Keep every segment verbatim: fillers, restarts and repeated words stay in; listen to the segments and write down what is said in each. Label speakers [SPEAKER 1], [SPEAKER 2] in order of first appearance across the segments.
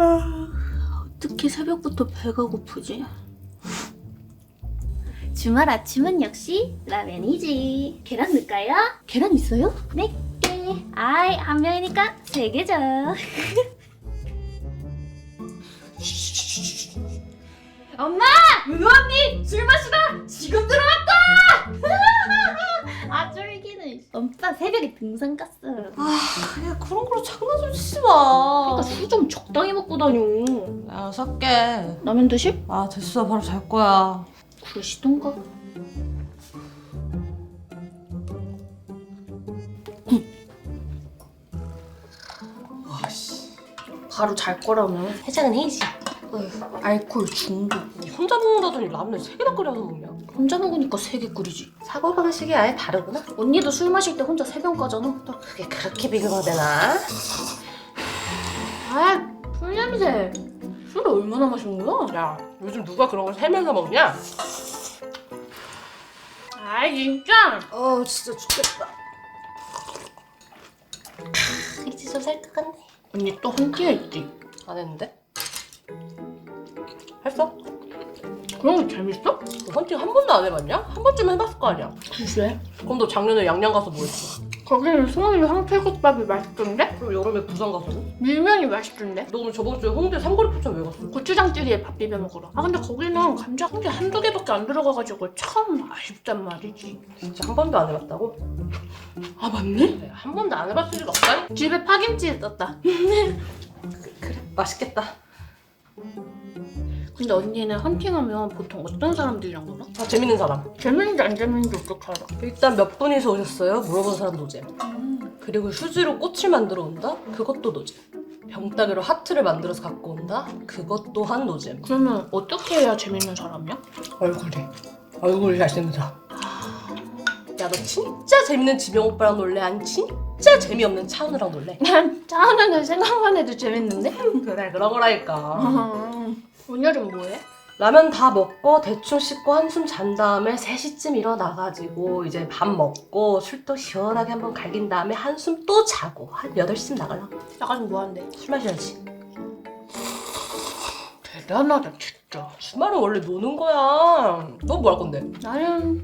[SPEAKER 1] 어떻게 새벽부터 배가 고프지? 주말 아침은 역시 라면이지. 계란 넣을까요? 계란 있어요? 네 개. 아이, 한 명이니까 세 개죠. 엄마! 은호 언니! 술 마시다! 지금 들어왔다! 아, 쫄기는. 오빠 새벽에 등산 갔어.
[SPEAKER 2] 아, 야 그런 걸로 장난 좀 치지 마.
[SPEAKER 1] 그러니까 술 좀 적당히 먹고 다녀.
[SPEAKER 2] 야 살게.
[SPEAKER 1] 라면 드실?
[SPEAKER 2] 아 됐어, 바로 잘 거야.
[SPEAKER 1] 그러시던가.
[SPEAKER 2] 와씨.
[SPEAKER 1] 바로 잘 거라면
[SPEAKER 2] 해장은 해야지.
[SPEAKER 1] 어휴, 알코올 중독.
[SPEAKER 2] 니 혼자 먹는다더니 라면을 세 개나 끓여서 먹냐?
[SPEAKER 1] 혼자 먹으니까 세 개 끓이지.
[SPEAKER 2] 사고방식이 아예 다르구나.
[SPEAKER 1] 언니도 술 마실 때 혼자 세 병 까잖아.
[SPEAKER 2] 그게 그렇게 비교가 되나?
[SPEAKER 1] 아, 술 냄새. 술 얼마나 마신 거야?
[SPEAKER 2] 야 요즘 누가 그런 걸 세면서 먹냐?
[SPEAKER 1] 아, 진짜?
[SPEAKER 2] 어 진짜 죽겠다.
[SPEAKER 1] 이제 좀 살 것 같네. 언니 또 헌팅 했지?
[SPEAKER 2] 안 했는데? 했어?
[SPEAKER 1] 그런 거 재밌어?
[SPEAKER 2] 너 헌팅 한 번도 안 해봤냐? 한 번쯤 해봤을 거 아니야?
[SPEAKER 1] 글쎄.
[SPEAKER 2] 그럼 너 작년에 양양 가서 뭐 했어?
[SPEAKER 1] 거기는 송이 황태국밥이 맛있던데?
[SPEAKER 2] 그럼 여름에 부산 가서는?
[SPEAKER 1] 밀면이 맛있던데?
[SPEAKER 2] 너 오늘 저번 주에 홍대 삼거리 포천 왜 갔어?
[SPEAKER 1] 고추장찌개에 밥 비벼 먹으러. 아, 근데 거기는 감자 한 개 한두 개밖에 안 들어가가지고 참 아쉽단 말이지.
[SPEAKER 2] 진짜 한 번도 안 해봤다고?
[SPEAKER 1] 아, 맞네?
[SPEAKER 2] 그래, 한 번도 안 해봤을 리가 없다니?
[SPEAKER 1] 집에 파김치 있었다.
[SPEAKER 2] 그래 맛있겠다.
[SPEAKER 1] 근데 언니는 헌팅하면 보통 어떤 사람들이랑 놀아?
[SPEAKER 2] 아 재밌는 사람.
[SPEAKER 1] 재밌는지 안 재밌는지 어떻게 알아?
[SPEAKER 2] 일단 몇 분이서 오셨어요? 물어본 사람 노잼. 그리고 휴지로 꽃을 만들어 온다? 그것도 노잼. 병따개로 하트를 만들어서 갖고 온다? 그것 또한 노잼.
[SPEAKER 1] 그러면 어떻게 해야 재밌는 사람이야?
[SPEAKER 2] 얼굴이. 얼굴이 잘생긴 사람. 야 너 진짜 재밌는 지명 오빠랑 놀래? 아니 진짜 재미없는 차은우랑 놀래?
[SPEAKER 1] 난 짜는 생각만 해도 재밌는데?
[SPEAKER 2] 그래 그런 거라니까.
[SPEAKER 1] 오늘은 뭐해?
[SPEAKER 2] 라면 다 먹고 대충 씻고 한숨 잔 다음에 세 시쯤 일어나가지고 이제 밥 먹고 술도 시원하게 한번 갈긴 다음에 한숨 또 자고 한 여덟 시쯤 나가려고.
[SPEAKER 1] 나가서 뭐 한대?
[SPEAKER 2] 술 마셔야지.
[SPEAKER 1] 대단하다 진짜.
[SPEAKER 2] 주말은 원래 노는 거야. 너 뭐 할 건데?
[SPEAKER 1] 나는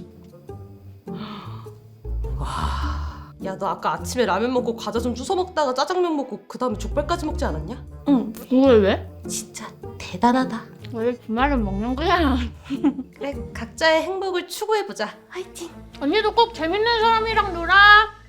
[SPEAKER 2] 야 너 아까 아침에 라면 먹고 과자 좀 주워 먹다가 짜장면 먹고 그 다음에 족발까지 먹지 않았냐?
[SPEAKER 1] 응. 그걸 왜?
[SPEAKER 2] 진짜 대단하다.
[SPEAKER 1] 왜 주말은 먹는 거야?
[SPEAKER 2] 그래 각자의 행복을 추구해보자. 화이팅.
[SPEAKER 1] 언니도 꼭 재밌는 사람이랑 놀아.